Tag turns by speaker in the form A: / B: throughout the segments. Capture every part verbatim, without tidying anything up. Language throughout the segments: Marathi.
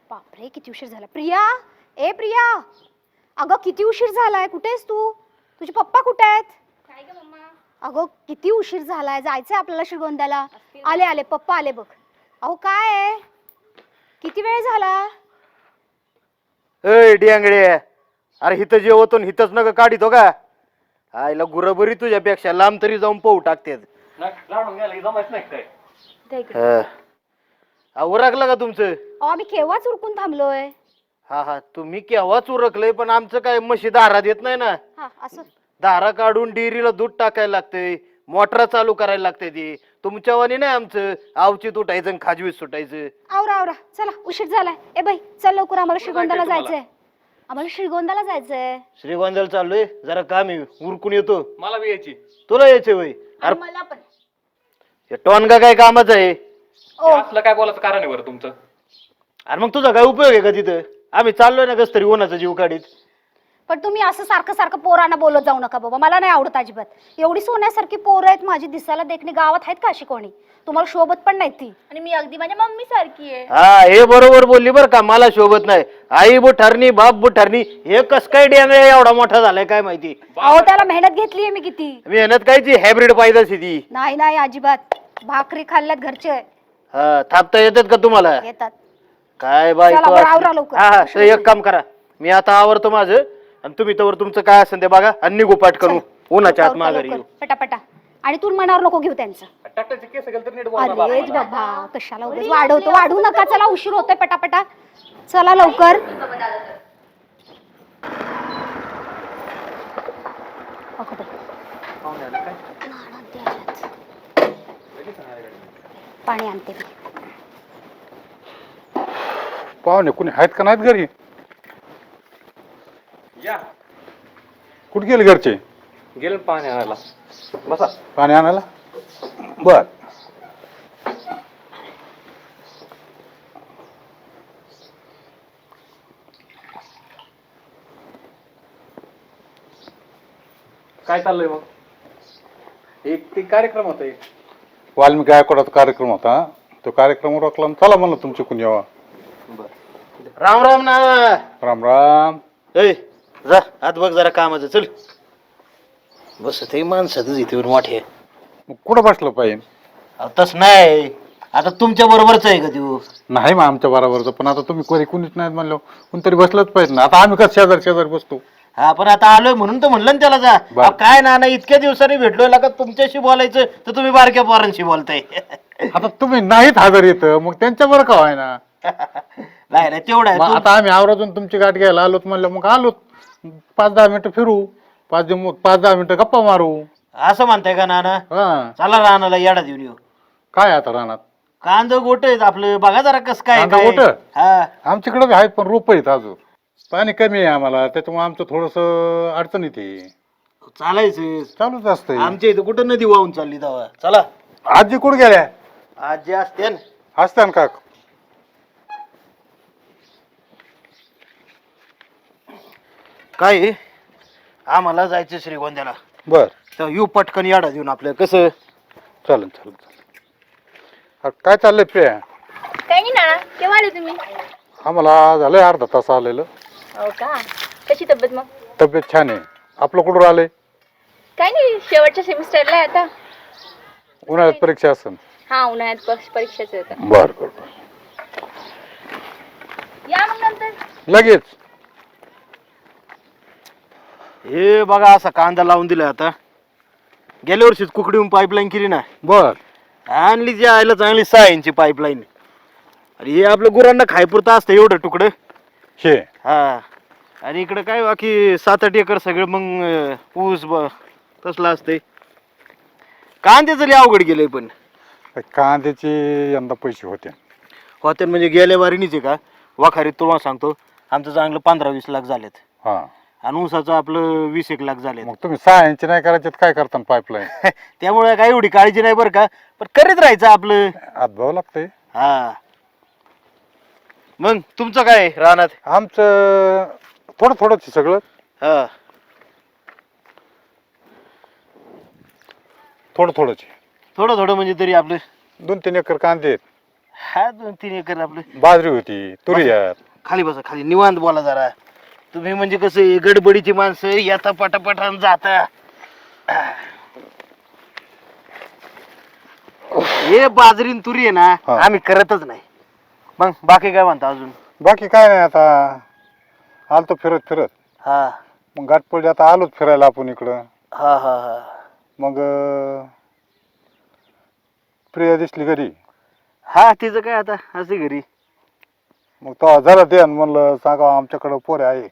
A: बापरे किती उशीर झाला. प्रिया, ए प्रिया, अगं किती उशीर झालाय, कुठे आहेस तू? तुझे पप्पा कुठे आहेत?
B: काय ग मम्मा?
A: अगं किती उशीर झालाय, जायचंय आपल्याला श्रीगोंद्याला. आले आले पप्पा आले बघ. अहो काय आहे, किती वेळ झाला?
C: ए डियांगडे, अरे हिथं जेवतो हिथंच नका काढितो का? आईला गुरबरी तुझ्यापेक्षा लांब तरी जाऊन पाहू टाकते. उरकलं का तुमचं?
A: अहो आम्ही केव्हाच उरकून थांबलोय.
C: हा हा तुम्ही केव्हाच उरकलंय, पण आमचं काय म्हशी दारात येत नाही ना.
A: हा असं
C: दारा काढून डेअरीला दूध टाकायला लागतंय, मोटर चालू करायला लागते. ती तुमच्यावानी नाही आमचं आवची तुटायचं आणि खाजवीत सुटायचं.
A: आवरा आवरा चला, उशीर झालाय. ए बाई चल लवकर, आम्हाला श्रीगोंद्याला जायचंय. आम्हाला श्रीगोंद्याला जायचंय.
C: श्रीगोंद्याला चाललोय, जरा काम आहे, उरकून येतो.
D: मला बी यायची.
C: तुला यायचे वय? अरे
B: मला पण.
C: हे टोनगा काय कामाचं आहे?
A: ओ
D: असलं काय बोलायचं कारण आहे बरं तुमचं?
C: अरे मग तुझा काय उपयोग आहे का तिथं? आम्ही चाललोय ना कस तरी उन्हाचा जीव काढीत.
A: पण तुम्ही असं सारखं सारखं पोरांना बोलत जाऊ नका बाबा, मला नाही आवडत अजिबात. एवढी सोन्यासारखी पोरं आहेत माझी, दिसायला देखणी गावात आहेत का अशी कोणी? तुम्हाला शोभत पण नाही ती.
B: आणि मी अगदी माझ्या मम्मी सारखी आहे.
C: हा हे बरोबर बोलली बरं का, मला शोभत नाही. आई बुठारणी बाप बुठारणी, हे कस काय डेंगळ्या एवढा मोठा झालाय काय माहिती.
A: अहो त्याला मेहनत घेतलीये मी किती.
C: मेहनत कायची, हायब्रिड पाहिजे ती.
A: नाही नाही अजिबात, भाकरी खाल्ल्यात घरचे.
C: हा थापता येतात का तुम्हाला?
A: येतात.
C: काय बाई
A: चला बरं, आवरा लवकर.
C: हा हा तर एक काम करा, मी आता आवरतो माझं, आणि तुम्ही तवर तुमचं काय असेल ते बघा आणि निघू पाठ करू. उन्हाच्या आत माघारी येऊ.
A: पटापटा. आणि तू मनावर नको घेऊ त्यांचं.
D: ट्रॅक्टरचे केस गेले तर नीट बोला बाबा.
A: अरेच बाबा, कशाला उगाच वाढवतो, वाढू नका. चला उशीर होतोय, पटापटा चला लवकर. अगं बाई. पाणी आणते मी.
E: पाहुणे कुणी आहेत का नाहीत घरी?
D: या
E: कुठे गेले घरचे?
D: गेलं पाणी आणायला. बसा.
E: पाणी आणायला? बर.
D: काय चाललंय मग? एक ते कार्यक्रम होता एक.
E: वाल्मिकी गायकवाडाचा कार्यक्रम होता, तो कार्यक्रम रोखला. चला म्हणलं तुमचे कुणी यावा.
C: राम राम ना.
E: राम राम.
C: ए जा आत बघ जरा कामाचं. चल बस ते माणसातच इथे मोठे.
E: मग कुठं बसलं पाहिजे?
C: तस नाही, आता तुमच्या बरोबरच आहे का तू?
E: नाही मग आमच्या बरोबरचं, पण आता तुम्ही कोणी कुणीच नाहीत म्हणलं कोणतरी बसलंच पाहिजे ना. आता आम्ही कसं शेजारी शेजारी बसतो.
C: हा पण आता आलोय म्हणून तर म्हणलं ना त्याला जा. अहो, काय ना ना इतक्या दिवसांनी भेटलोय का तुमच्याशी बोलायचं तर तुम्ही बारक्या पोरांशी बोलताय.
E: आता तुम्ही नाहीत हजर येतं, मग त्यांच्या बरं का व्हाय ना.
C: नाही नाही तेवढं आहे.
E: मग आता आम्ही आवरातून तुमची गाठ घ्यायला आलोत म्हणलं, मग आलोत. पाच दहा मिनिटं फिरू, पाच दिव- पाच दहा मिनिटं गप्पा मारू.
C: असं म्हणताय का नाना?
E: हा
C: चला रानाला येडा देऊन येऊ.
E: काय आता राहणार?
C: कांद गोट आहेत आपलं, बघा जरा कस काय
E: कांदा
C: काय.
E: गोटं?
C: हा
E: आमच्याकडे आहेत पण रोप आहेत अजून. पाणी कमी आहे आम्हाला, त्याच्यामुळे आमचं थोडस अडचण येते.
C: चालायचं.
E: चालूच असतंय.
C: आमच्या इथं कुठं नदी वाहून चालली तेव्हा. चला.
E: आजी कुठे गेल्या?
C: आजी असते ना.
E: असत्या का?
C: काय आहे? आम्हाला जायचं श्रीगोंद्याला.
E: बर
C: तर येऊ पटकन याडा देऊन आपलं कसं.
E: चालेल चालेल चालेल. काय चाललंय प्रिया?
B: काही नाही ना. केव्हा आले तुम्ही?
E: आम्हाला झालंय अर्धा तास आलेलं.
B: हो का? कशी तब्येत मग?
E: तब्येत छान आहे. आपलं कुठं आलंय?
B: काही नाही, शेवटच्या सेमिस्टरला आहे आता.
E: उन्हाळ्यात परीक्षा असेल.
B: हा उन्हाळ्यात पक्ष परीक्षाच होतं.
E: बर बर.
B: या मग नंतर.
E: लगेच.
C: हे बघा असा कांदा लावून दिला. आता गेल्या वर्षीच कुकडीहून पाईपलाईन केली ना.
E: बर.
C: आणली जी आयला चांगली सहा इंची पाईपलाईन. आणि हे आपलं गुरांना खायपुरतं असतं एवढं तुकडं.
E: हे
C: हा आणि इकडं काय बाकी सात आठ एकर सगळं मग अं, ऊस ब तसलं असतंय. कांद्याचं लय अवघड गेलंय. पण
E: कांद्याचे यंदा पैसे होते.
C: होते म्हणजे गेल्या वारीनीच आहे का वाखारीत तुम्हाला सांगतो आमचं चांगलं पंधरा वीस लाख झालेत.
E: हा
C: आणि ऊसाचं आपलं वीस एक लाख झाले.
E: मग तुम्ही सहा इंच नाही करायचे काय करता पाईपलाईन?
C: त्यामुळे काय एवढी काळजी नाही बरं का, पण करीत राहायचं आपलं.
E: हातभाव लागतंय.
C: हा मग तुमचं काय रानात?
E: आमचं थोडं थोडंच सगळं.
C: हा
E: थोडं थोडंच.
C: थोडं थोडं म्हणजे तरी आपलं
E: दोन तीन एकर कांदे आहेत.
C: हा दोन तीन एकर आपलं.
E: बाजरी होती, तुरी आहेत.
C: खाली बसा, खाली निवांत बोला जरा. तुम्ही म्हणजे कसं आहे, गडबडीची माणसं येता पटापटान जाता. हे बाजरीन तुरी आहे ना
E: हा.
C: आम्ही करतच नाही. मग बाकी काय म्हणता अजून?
E: बाकी काय नाही, आता आलतो फिरत फिरत.
C: हा
E: मग गाठपडी आता आलोच फिरायला आपण इकडं.
C: हा हा हा
E: मग अं, प्रिया दिसली घरी.
C: हा तिचं काय आता असे घरी.
E: मग तो जरा दे आणि म्हणलं सांगा आमच्याकडं पोरे आहे.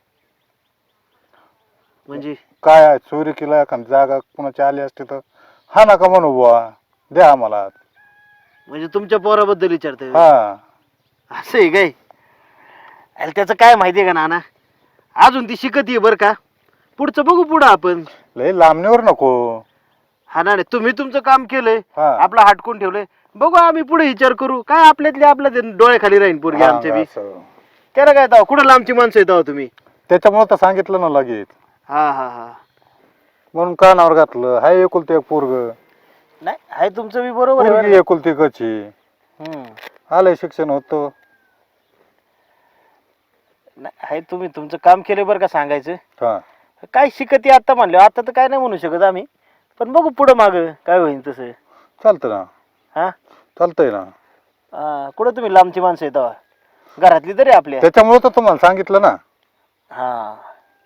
C: म्हणजे
E: काय आहे चोरी केला एखादी जागा कुणाची आली असते तर हा नका म्हणू बुवा, द्या आम्हाला.
C: म्हणजे तुमच्या पोराबद्दल विचारते.
E: हा
C: असं आहे काय? अरे त्याचं काय माहितीये का नाना, अजून ती शिकत आहे बरं का. पुढचं बघू पुढं आपण.
E: लय लांबणीवर नको.
C: हा ना, तुम्ही तुमचं काम केलंय,
E: हा.
C: आपलं हाटकून ठेवलंय. बघू आम्ही पुढे विचार करू. काय आपल्यातले आपल्या डोळे खाली राहीन पोरगी
E: हा,
C: आमच्या बी.
E: असं.
C: त्याला काय दाव कुठं लांबची माणसं येताव तुम्ही.
E: त्याच्यामुळे तर सांगितलं ना लगेच,
C: हा हा हा
E: म्हणून कानावर घातलं. हाय एकुलती एक पोरग,
C: नाही आहे तुमचं बी बरोबर आहे
E: पोरगी
C: बरं.
E: एकुलती कची.
C: हम्म.
E: आलंय शिक्षण होतं.
C: नाही आहे, तुम्ही तुमचं काम केलं बरं का सांगायचं.
E: हा
C: काय शिकत आहे आता म्हणलं, आता तर काय नाही म्हणू शकत आम्ही. पण बघू पुढं माग काय होईल तसं.
E: चालतं ना,
C: हा
E: चालतंय ना.
C: हा, कुठं तुम्ही लांबची माणसं येताव, घरातली तरी आपल्या.
E: त्याच्यामुळे तर तुम्हाला सांगितलं ना.
C: हा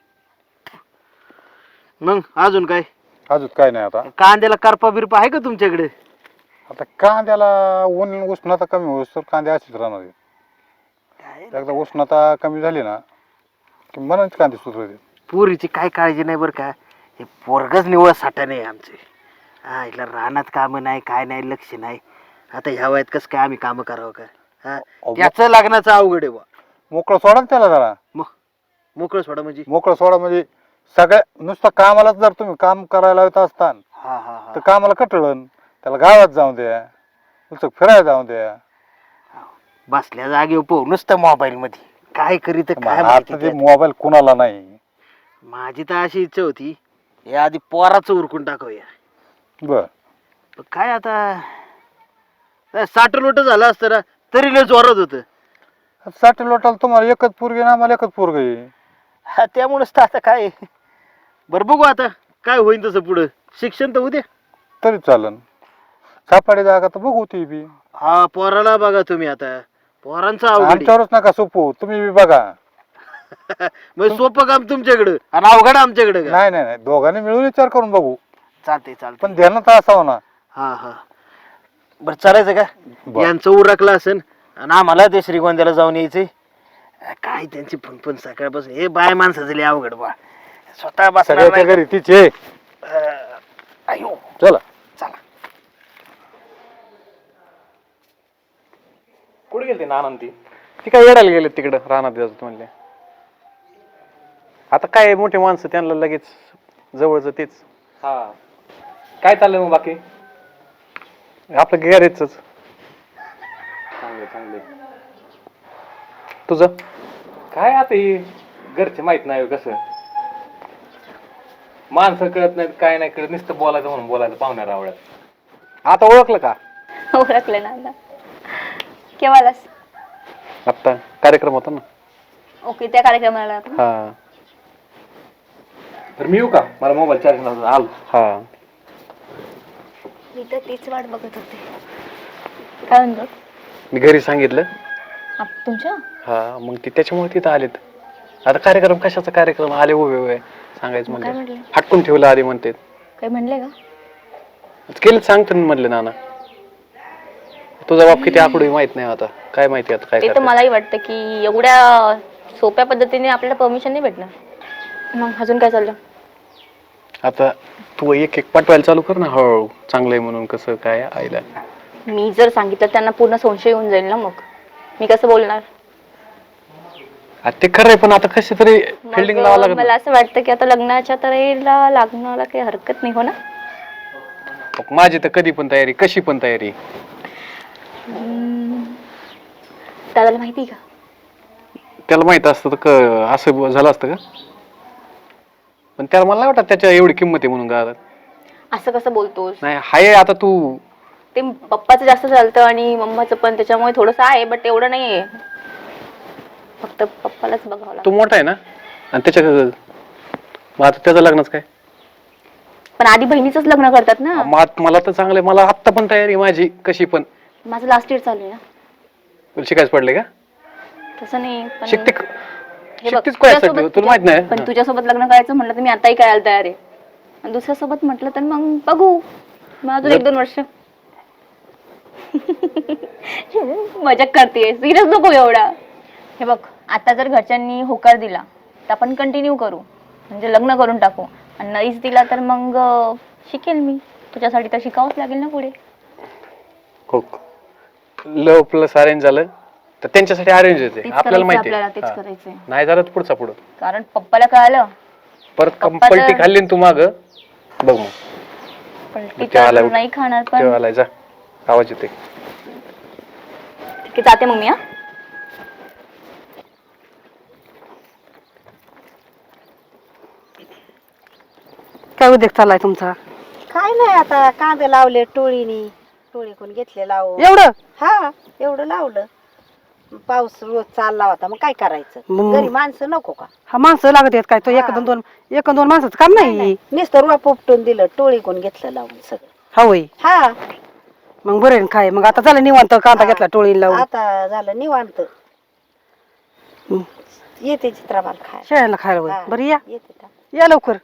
C: मग अजून काय?
E: अजून काय नाही. आता
C: कांद्याला करपा बिरपा आहे का तुमच्याकडे?
E: आता कांद्याला ऊन उष्णता कमी होस तर कांदे असेच राहणार आहेत. एकदा उष्णता कमी झाली ना की मनाच कांदे सुधारते.
C: पोरीची काय काळजी नाही बरं का. हे पोरगच निवळ साठा नाही आमचे. हा इथला रानात कामं नाही, काय नाही, लक्ष नाही. आता ह्या वयात कसं काय आम्ही कामं करावं का? हा त्याचं लग्नाचं अवघड आहे बा.
E: मोकळं सोडा ना त्याला जरा.
C: मग मोकळं सोडा म्हणजे?
E: मोकळं सोडा म्हणजे सगळ्या नुसतं कामालाच जर तुम्ही काम करायला येत असतान
C: हा हा हा
E: तर कामाला कटळण. त्याला गावात जाऊ द्या, नुसतं फिरायला जाऊ द्या.
C: बसल्या जागेवर पोह नुसतं मोबाईल मध्ये काय करीत काय माहिती
E: आता ते
C: त्यात.
E: मोबाईल कुणाला नाही.
C: माझी तर अशी इच्छा होती हे आधी पोराचं उरकून टाकूया.
E: बर
C: पण काय आता साठ लोट झालं असतं ना तरी लय जोरात होतं.
E: साठी लोटाला तुम्हाला एकच पोरगी ना, आम्हाला एकच पोरग आहे.
C: हा त्यामुळेच तर आता काय बरं बघू आता काय होईल तसं पुढं. शिक्षण तर उद्या
E: तरी चालन. सापाडी जागा तर बघू ती बी.
C: हा पोराला बघा तुम्ही आता. पोरांचा अवघड आहे.
E: आमच्यावरच नका सोपू, तुम्ही बी बघा.
C: म्हणजे सोपं काम तुमच्याकडं आणि अवघड आमच्याकडे का?
E: नाही नाही नाही, दोघांनी मिळून विचार करून बघू.
C: चालते चालते.
E: पण ध्यानात असावं ना.
C: हा हा बरं चालायचं का?
E: बरं.
C: यांचं उरकलं असेल आणि आम्हाला ते श्रीगोंद्याला जाऊन यायचंय. काय त्यांची फणफण सकाळपासून. हे बाय माणसाचं लय अवघड बा. स्वतः बसणार
E: सगळ्याच्या
C: नाही.
E: घरी तिचे.
C: अं, अयो
E: चला
C: चला.
D: कुठे गेलते नाना ती ती काय येडायला गेले तिकडं रानात जायचं म्हणले. आता काय मोठे माणसं त्यांना लगेच जवळच तेच. हा काय चाललंय मग बाकी? आपलं गॅरेजच. चांगले चांगले. तुझं काय आता हे घरचे माहित नाही कसं माणसं कळत नाहीत काय नाही कळत नुसतं बोलायचं म्हणून बोलायचं पाहुण्या रावळ्यात. आता ओळखलं का?
B: ओळखलं ना. केव्हालाच?
D: आता कार्यक्रम होता ना.
B: ओके त्या कार्यक्रमाला.
D: हा तर मी येऊ का? मला मोबाईल चार्जिंग आल. हा
B: मी तर तीच वाट बघत होते. काय म्हणतो?
D: मी घरी सांगितलं.
B: आप- तुमच्या
D: हा मग ती त्याच्यामुळे तिथं आलेत. आता कार्यक्रम कशाचा कार्यक्रम आले उभे उभे सांगायचं
B: मग काय
D: म्हणजे
B: म्हटले?
D: हटकून ठेवलं आधी म्हणते.
B: काय म्हणले का?
D: केलं सांगतो ना म्हणले नाना. तुझा बाप किती आकडू माहित नाही आता. काय माहिती आता काय
B: ते तर
D: करतात.
B: मलाही वाटतं की एवढ्या सोप्या पद्धतीने आपल्याला परमिशन नाही भेटणार. मग अजून काय चाललं?
D: आता तू एक एक पाठवायला चालू कर ना हळूहळू. चांगलंय म्हणून कसं काय आईला.
B: मी जर सांगितलं त्यांना पूर्ण संशय येऊन जाईल ना. मग मी कसं बोलणार?
D: आता ते खरंय पण आता कशी तरी फिल्डिंग लावा
B: मग
D: लागत.
B: मला असं वाटतं की आता लग्नाच्या तयारीला लागण्याला काही हरकत नाही हो ना.
D: माझी तर कधी पण तयारी कशी पण तयारी.
B: हम्म. दादाला माहिती का?
D: त्याला माहित असतं तर क- असं झालं असतं का? पण त्याला मला नाही वाटत त्याच्या एवढी किंमत आहे म्हणून गावात.
B: असं कसं बोलतोस?
D: नाही हाय आता तू
B: ते पप्पाचं जास्त चालतं आणि मम्माचं पण, त्याच्यामुळे थोडंसं आहे, बट एवढं नाही आहे. फक्त पप्पालाच बघावं
D: तू
B: लागतं.
D: मोठा आहे ना, आणि त्याच्या मग आता त्याचं लग्नच काय?
B: पण आधी बहिणीचंच लग्न करतात ना.
D: मग आत- मला तर चांगलं आहे, मला आत्ता पण तयारी आहे माझी कशी पण.
B: माझं लास्ट इयर चालू आहे ना.
D: तुला शिकायचं पडले का?
B: तसं नाही, पण
D: शिकते
B: हे बघ,
D: शिकतेच काय
B: तुझ्यासोबत-
D: तुला माहित नाही?
B: पण तुझ्यासोबत लग्न करायचं म्हटलं तर मी आताही करायला तयार आहे. आणि दुसऱ्यासोबत म्हटलं तर मग बघू, मग अजून एक दोन वर्ष. मजाक करते, सिरियस नको एवढा. हे बघ, आता जर घरच्यांनी होकार दिला तर आपण कंटिन्यू करू, म्हणजे लग्न करून टाकू. आणि नाहीच दिला तर मग अं, शिकेल मी. तुझ्यासाठी तर शिकावंच लागेल ना पुढे.
D: हो, लव प्लस अरेंज झालं तर त्यांच्यासाठी अरेंज
B: तेच
D: येते, आपल्याला
B: करायचं
D: माहिती
B: आपल्याला, तेच
D: आहे.
B: करायचंय.
D: नाही झालं तर पुढचा पुढं.
B: कारण पप्पाला कळालं,
D: परत
B: पप्पा
D: पलटी
B: तर-
D: खाल्ली ना तू माग, बघ मग
B: पण
D: तेव्हा
B: टीचर
D: आला-
B: नाही खाणार. पण
D: तेव्हा आलाय, जा आवाज येते.
B: ठीक आहे, जाते मग मी. हा,
F: काय उद्योग चाललाय तुमचा?
G: काय नाही, आता कांदे लावले टोळीनी, टोळी कोण घेतले लावून.
F: एवढं
G: हा, एवढं लावलं. पाऊस रोज चालला होता, मग काय करायचं?
F: मग-
G: घरी माणसं नको का?
F: हा माणसं लागत आहेत काय? तो एक
G: हा.
F: दोन दोन एक दोन माणसाचं काम नाही.
G: नुसतं रुपा पोपटून दिलं, टोळी कोण घेतलं लावून सगळं.
F: हा होय,
G: हा,
F: मग बरं आहे ना काय? मग आता झालं निवांत, कांदा घेतला टोळी लावून.
G: आता झालं निवांत.
F: हं.
G: येते चित्राबाल खाय.
F: शेळ्याला खायला होय. बरं या
G: येते का?
F: या लवकर.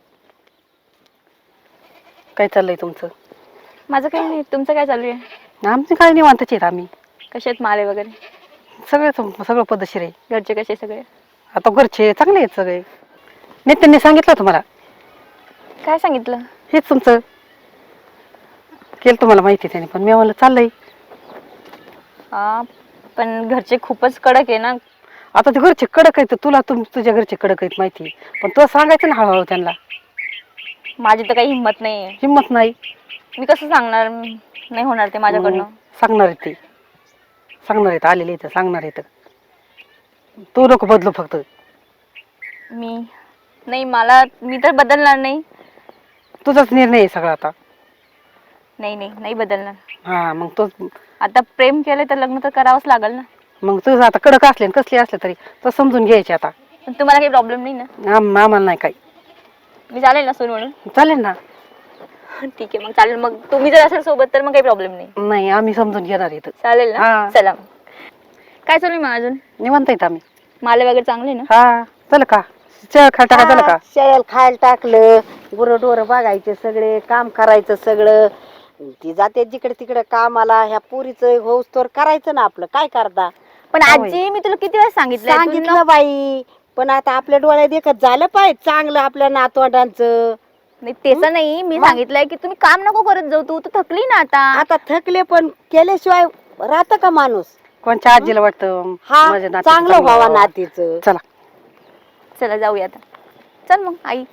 F: काय चाललंय तुमचं?
B: माझं काही नाही. तुमचं काय चालू आहे?
F: आमचे काय निवांतच आहेत आम्ही.
B: कसे आहेत माले वगैरे?
F: सगळेच सगळं पद्धतशीर आहे.
B: घरचे कसे सगळे?
F: आता घरचे चांगले आहेत सगळे. नेत्यांनी सांगितलं तुम्हाला
B: काय सांगितलं?
F: हेच तुमचं केलं, तुम्हाला माहिती त्याने, पण मी म्हणलं चाललंय.
B: हा, पण घरचे खूपच कडक आहे ना.
F: आता ते घरचे कडक आहेत, तुला तुम तुझ्या घरचे कडक आहेत माहिती, पण तुला सांगायचं ना हळूहळू त्यांना.
B: माझी तर काही हिंमत नाही आहे.
F: हिंमत नाही.
B: मी कसं सांगणार? नाही होणार ते माझ्याकडनं.
F: सांगणार आहेत ते, सांगणार आहेत, आलेले इथं सांगणार आहेत. तू नको बदलू फक्त.
B: मी नाही, मला मी तर बदलणार नाही.
F: तुझाच निर्णय आहे सगळा आता.
B: नाही नाही नाही बदलणार.
F: हा, मग तो
B: आता प्रेम केलं तर लग्न तर करावंच लागेल ना.
F: मग तुझं आता कडक असले आणि कसले असले तरी तो समजून घ्यायचे आता.
B: पण तुम्हाला काही प्रॉब्लेम नाही ना?
F: आम आम्हाला नाही काही.
B: मी चालेल ना सून म्हणून?
F: चालेल ना.
B: ठीक आहे, मग चालेल. मग तुम्ही जर असेल सोबत तर मग काही प्रॉब्लेम नाही.
F: नाही, आम्ही समजून घेणार इथं.
B: चालेल ना?
F: हा.
B: चला. काय चालू आहे मग अजून?
F: निवांत आहेत आम्ही.
B: माले वगैरे चांगले ना?
F: हा, चल का चहा खा टाका, झालं का?
G: हा, शेळ्याला खायला टाकलं, गुरं ढोरं बघायचे सगळे, काम करायचं सगळं. ती जाते जिकडे तिकडे कामाला. ह्या पुरीचं होऊस तर करायचं ना आपलं. काय करता?
B: पण आजी, मी तुला किती वेळा सांगितलं
G: सांगितलं बाई, पण आता आपल्या डोळ्यात देखत झालं पाहिजे चांगलं आपल्या नातवंडांचं.
B: नाही त्याचं नाही, मी सांगितलंय की तुम्ही काम नको करत जाऊ. तू तर थकली ना आता.
G: आता थकले, पण केल्याशिवाय राहतं का माणूस?
F: कोणच्या आजीला वाटतं
G: हा,
F: माझ्या नातीचं
G: चांगलं व्हावा नातीचं.
F: चला
B: चला जाऊया आता. चल मग आई.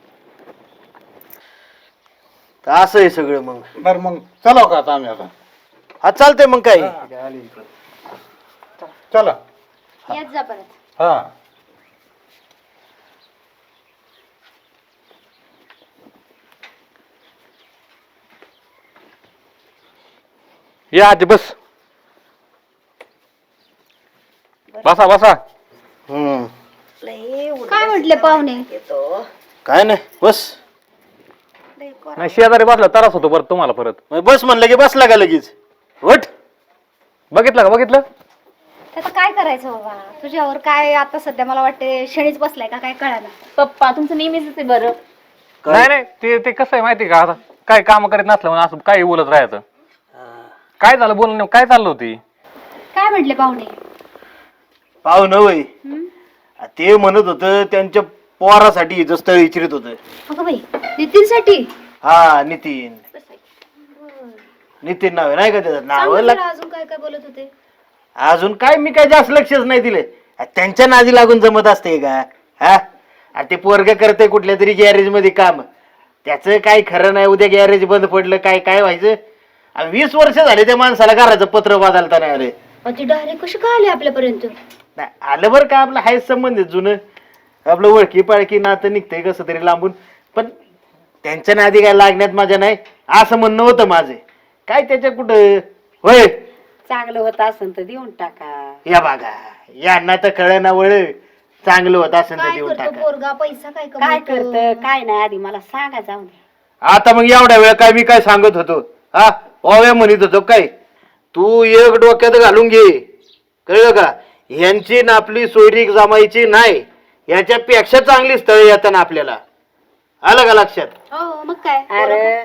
C: तर असं आहे सगळं मग.
E: बरं मग चला का आता आम्ही आता?
C: हा, चालतंय मग काय.
E: चला.
A: येत जा परत.
E: हा,
D: या आधी बस, बसा बसा.
C: हम्म,
A: काय म्हटले पाहुणे?
C: काय नाही, बस.
D: नाही, शेजारी बसला त्रास होतो परत तुम्हाला. परत
C: मग बस म्हणलं की बसला का लगेच? वट.
D: बघितलं का? बघितलं
A: आता काय करायचं बाबा? तुझ्यावर काय आता सध्या मला वाटते शनीच बसलाय का काय कळालं.
B: पप्पा तुमचं नेहमीच आहे बरं.
D: नाही नाही, ते ते कसं आहे माहिती का, आता काय काम करीत नसलं म्हणून असं काही बोलत राहायचं. काय झालं बोलणं? काय चाललं होती?
A: काय म्हटले पाहुणे?
C: पाहुणं वय ते म्हणत होतं त्यांच्या पोरासाठी स्थळ इच्छित होतं.
A: अगं बाई, नितीनसाठी?
C: हा, नितीन. नितीन नाव आहे नाही का त्याचं नाव?
A: सांग जरा अजून काय काय बोलत होते?
C: अजून काय, मी काय जास्त लक्षच नाही दिले. त्यांच्या नादी लागून जमत असते का? हा, अरे ते पोरग करते कुठल्या तरी गॅरेज मध्ये काम, त्याचं काय खरं नाही. उद्या गॅरेज बंद पडलं काय काय व्हायचं? आणि वीस वर्ष झाले त्या माणसाला घराचं पत्र बदलता नाही आले.
A: ती डायरेक्ट कशी काय आली आपल्यापर्यंत?
C: नाही आलं बरं का, आपलं हाय संबंधित जुनं आपलं ओळखी पाळखी नातं निघतंय कसं तरी लांबून. पण त्यांच्या नादी काय लागण्यात माझ्या नाही असं म्हणणं होतं माझं. काय त्याच्या कुठं होय.
G: चांगलं होत असेल तर देऊन टाका.
C: या बघा यांना तर कळ ना वळ चांगलं होत असेल तर
A: काय
C: देऊन
A: करतो
C: टाका.
A: पोरगा पैसा काय
G: काय
A: कमवतो?
G: करत काय नाही आधी मला सांगा जाऊन.
C: आता मग एवढ्या वेळ काय मी काय सांगत होतो हा ओव्या म्हणत होतो काय तू एक डोक्यात घालून घे कळलं का. यांची ना आपली सोयरीक जमायची नाही याच्यापेक्षा चांगली स्थळ येतात आपल्याला आलं का लक्षात.
A: हो मग काय
G: अरे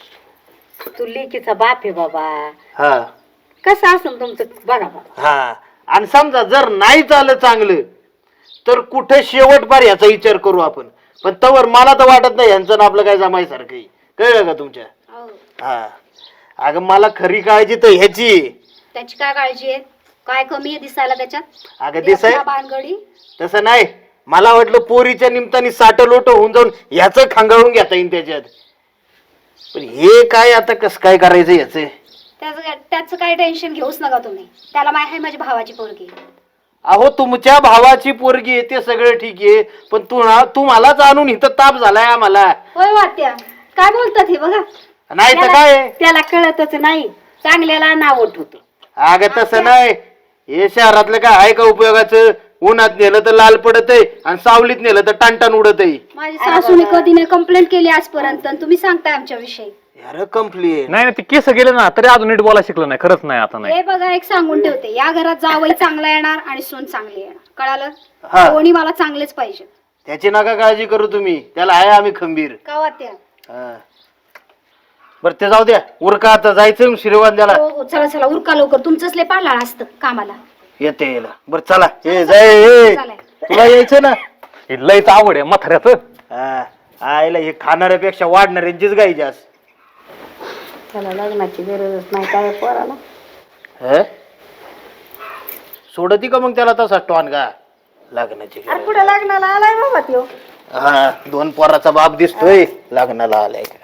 G: तू लेकीचा बाप आहे बाबा.
C: हा
G: कसं असेल तुमचं बघा बाबा.
C: हा आणि समजा जर नाही झालं चांगलं तर कुठे शेवट बार याचा विचार करू आपण. पण तवर मला तर वाटत नाही यांचं ना आपलं काय जमायसारखं आहे. कळलं का तुमच्या.
A: हो.
C: हा अगं मला खरी काळजी तर ह्याची आहे.
A: त्याची काय काळजी आहे? काय कमी आहे दिसायला त्याच्यात?
C: अगं दिसाय
A: बांधगडी
C: तसं नाही मला वाटलं पोरीच्या निमित्ताने साठ लोट होऊन जाऊन ह्याचं खांगाळून घेता येईल त्याच्यात. पण हे काय आता कसं काय करायचं याच.
A: त्याचं काय- त्याचं काही टेन्शन घेऊच नका तुम्ही. त्याला माहिती आहे माझी भावाची पोरगी.
C: अहो तुमच्या भावाची पोरगी आहे ते सगळं ठीक आहे पण तू तुम्हालाच आणून इथं ताप झालाय आम्हाला.
A: होय वात्या काय बोलतात हे बघा.
C: नाही तर काय
G: त्याला कळतच नाही चांगल्याला नाव उठवतो.
C: अगं तसं नाही हे शहरातलं काय आहे का उपयोगाचं. उन्हात नेलं तर लाल पडत आहे आणि सावलीत नेलं तर टाणटाण उडत आहे.
A: माझी सासूने कधी नाही कंप्लेंट केली आजपर्यंत आणि तुम्ही सांगताय आमच्या विषयी.
C: यार कंप्लेंट
D: नाही नाही, ते केस गेले ना तरी अजून नीट बोलायला शिकलं नाही. खरंच नाही आता नाही.
A: हे बघा एक सांगून ठेवते या घरात जावई चांगला येणार आणि सून चांगली येणार.
C: हा.
A: कळालं? कोणी मला चांगलेच पाहिजे.
C: त्याची नका काळजी करू तुम्ही त्याला आहे आम्ही खंबीर.
A: का वात्या?
C: हा. बरं ते जाऊ द्या उरका आता जायचं श्रीवान द्याला.
A: हो हो चला चला उरका लवकर. तुमचंच लय पालाळ असतं कामाला.
C: येते यायला. बरं चला ए जाय ए.
A: चालेल.
C: तुला यायचं ना.
D: हे लयच आवड आहे म्हाताऱ्याचं.
C: हा आईला हे खाणाऱ्यापेक्षा वाढणाऱ्यांचीच गाई जास्त.
G: त्याला लग्नाची गरजच नाही काय पोराला.
C: ह? सोडती का मग त्याला तसा टॉन का लग्नाची
G: अरे
C: गरज.
G: पुढे लग्नाला आलाय बाबा त्यो.
C: हा दोन पोराचा बाप दिसतोय लग्नाला आलाय.